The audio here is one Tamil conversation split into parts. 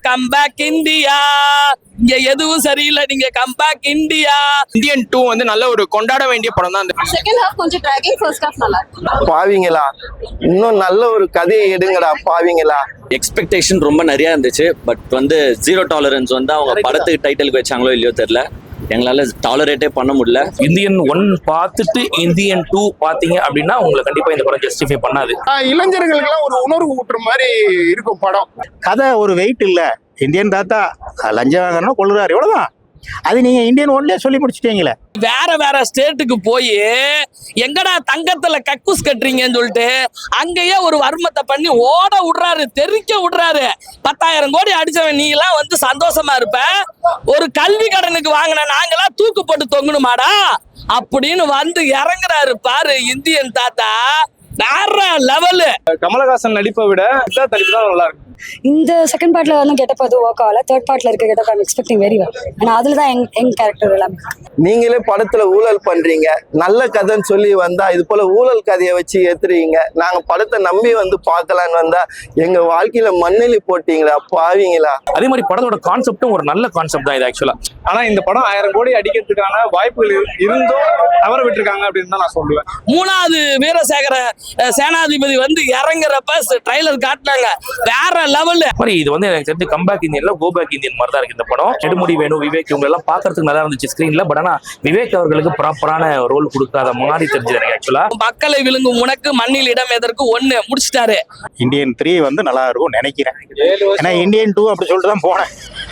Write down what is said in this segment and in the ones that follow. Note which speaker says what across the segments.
Speaker 1: கம்பேக் இந்தியா, இங்க எதுவும் சரியில்லை, நீங்க கம்பேக் இந்தியா.
Speaker 2: இந்தியன் 2 வந்து நல்ல ஒரு கொண்டாட வேண்டிய படம் தான்.
Speaker 3: செகண்ட் ஹாஃப் கொஞ்சம் ட்ராகிங், ஃபர்ஸ்ட் ஹாஃப் நல்லா இருக்கு.
Speaker 4: பாவிங்களா, இன்னும் நல்ல ஒரு கதையை எடுங்கடா பாவிங்களா.
Speaker 5: எக்ஸ்பெக்டேஷன் ரொம்ப நிறைய இருந்துச்சு. பட் வந்து ஜீரோ டாலரன்ஸ் வந்து அவங்க படத்துக்கு டைட்டிலுக்கு வச்சாங்களோ இல்லையோ தெரியல, எங்களால டாலரேட்டே பண்ண முடியல.
Speaker 6: இந்தியன் 1 பார்த்துட்டு இந்தியன் 2 பாத்தீங்க அப்படின்னா உங்களுக்கு கண்டிப்பா இந்த படம் ஜஸ்டிஃபை பண்ணாது.
Speaker 7: இளைஞர்களுக்கெல்லாம் ஒரு உணர்வு ஊட்டுற மாதிரி இருக்கும் படம்.
Speaker 8: கதை ஒரு வெயிட் இல்ல. இந்தியன் தாத்தா லஞ்சம் வாங்கணும் கொள்ளுறாரு, எவ்வளவுதான். அது நீங்க இந்தியன் 1லயே சொல்லி முடிச்சிட்டீங்களே.
Speaker 1: வேற வேற ஸ்டேட்டுக்கு போய் எங்கடா தங்கத்துல கக்கூஸ் கட்டுறீங்கன்னு சொல்லிட்டு அங்கேயே ஒரு வர்மத்தை பண்ணி ஓட விடுறாரு, தெறிக்க விடுறாரு. 10,000 கோடி அடிச்சவன் நீ எல்லாம் வந்து சந்தோஷமா இருப்ப, ஒரு கல்வி கடனுக்கு வாங்கின நாங்கெல்லாம் தூக்கு போட்டு தொங்கணுமாடா அப்படின்னு வந்து இறங்குறாரு பாரு இந்தியன் தாத்தா. வேற லெவலு.
Speaker 2: கமலஹாசன் நடிப்பை விட சித்தார்த் நடிப்பு தான் நல்லா இருக்கு.
Speaker 9: இந்த செகண்ட் பார்ட்ல வந்து கெட்டப் அது ஒர்க் ஆகல. தேர்ட் பார்ட்ல இருக்க getup I'm expecting very well. ஆனா அதுல தான் எங் கேரக்டர் எல்லாமே.
Speaker 4: நீங்களே படத்துல ஊழல் பண்றீங்க, நல்ல கதைன்னு சொல்லி வந்தா இது போல ஊழல் கதையை வச்சு ஏத்துறீங்க. நாங்க படத்தை நம்பி வந்து பார்க்கலான்னு வந்தா எங்க வாழ்க்கையில மண்ணெலி போட்டீங்களா பாவிங்களா.
Speaker 6: அதே மாதிரி படத்தோட கான்செப்டும் ஒரு நல்ல கான்செப்ட் தான் இது ஆக்சுவலா.
Speaker 2: ஆனா இந்த படம் 1000 கோடி அடிக்கிறதுக்கான வாய்ப்புகள் இருந்தும் தவற விட்டுருக்காங்க அப்படின்னு தான் நான் சொல்லுவேன்.
Speaker 1: 3வது வீரசேகர சேனாதிபதி வந்து இறங்குறப்ப ட்ரைலர் காட்டினாங்க, வேற லெவலு.
Speaker 6: மாதிரி இது வந்து எனக்கு தெரிஞ்சு கம்பேக் இந்தியன்ல கோ பேக் இந்தியன் மாதிரி தான் இருக்கு இந்த படம். நெடுமுடி வேணும், விவேக் இவங்க எல்லாம் பாக்குறதுக்கு நல்லா இருந்துச்சு ஸ்கிரீன்ல. பட் ஆனா விவேக் அவர்களுக்கு ப்ராப்பரான ரோல் கொடுக்காத மாதிரி தெரிஞ்சது எனக்கு ஆக்சுவலா.
Speaker 1: மக்களை விழுங்கும் உனக்கு மண்ணில் இடம் எதற்கு 1 முடிச்சிட்டாரு.
Speaker 8: இந்தியன் 3 வந்து நல்லா இருக்கும் நினைக்கிறேன். ஏன்னா இந்தியன் 2 அப்படி சொல்லிட்டு தான் போனேன்.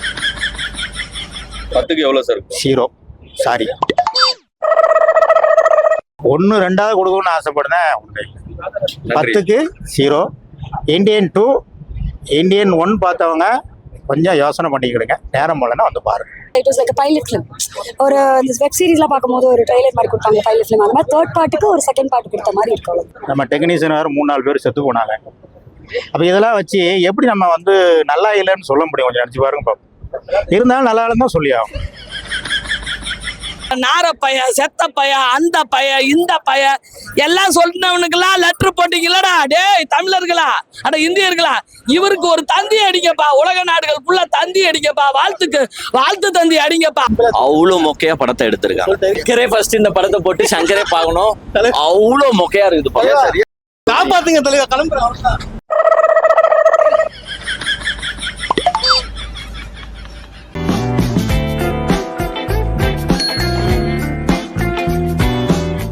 Speaker 5: 10க்கு எவ்வளவு சார்?
Speaker 8: 0 சாரி. 1 2வது கொடுக்கணும்னு ஆசைப்படுறேன். 10க்கு 0. இந்தியன் 2 இந்தியன் 1 பார்த்தவங்க கொஞ்சம் யோசனை பண்ணிக்கிடுங்க. நேரம் போலன்னா வந்து பாருங்க.
Speaker 9: It was like pilot film. ஒரு இந்த வெப் சீரிஸ்லாம் பார்க்கும்போது ஒரு ட்ரைலர் மாதிரி கொடுத்தாங்க பைலட் ஃபிலிம். அந்த மாதிரி தேர்ட் பார்ட்டுக்கு ஒரு செகண்ட் பார்ட் கொடுத்த மாதிரி இருக்கும்.
Speaker 8: நம்ம டெக்னீஷியன் வேறு 3-4 பேர் செத்து போனாங்க. அப்போ இதெல்லாம் வச்சு எப்படி நம்ம வந்து நல்லா இல்லைன்னு சொல்ல முடியும்? கொஞ்சம் நினச்சி பாருங்க பாப்போம். இருந்தாலும் நல்லா இல்லைன்னு தான் சொல்லி ஆகும்.
Speaker 1: நார பைய, செத்த பைய, அந்த பைய, இந்த பைய எல்லாம் சொல்லினவனுக்கெல்லாம் லெட்டர் போட்டீங்களா டேய் தமிழர்களா, அட இந்தியர்களா, இவருக்கு ஒரு தந்தி அடிங்கப்பா, உலக நாடுகள் ஃபுல்லா தந்தி அடிங்கப்பா, வாழ்த்து தந்தி அடிங்கப்பா.
Speaker 5: அவ்வளவு மொக்கையா படத்தை எடுத்திருக்காங்க. சங்கரே ஃபர்ஸ்ட் இந்த படத்தை போட்டு சங்கரே பார்க்கணும். அவ்வளவு மொக்கையா இருக்குது படம்.
Speaker 7: காப்பாத்துங்க தலைவர், கிளம்புறேன்.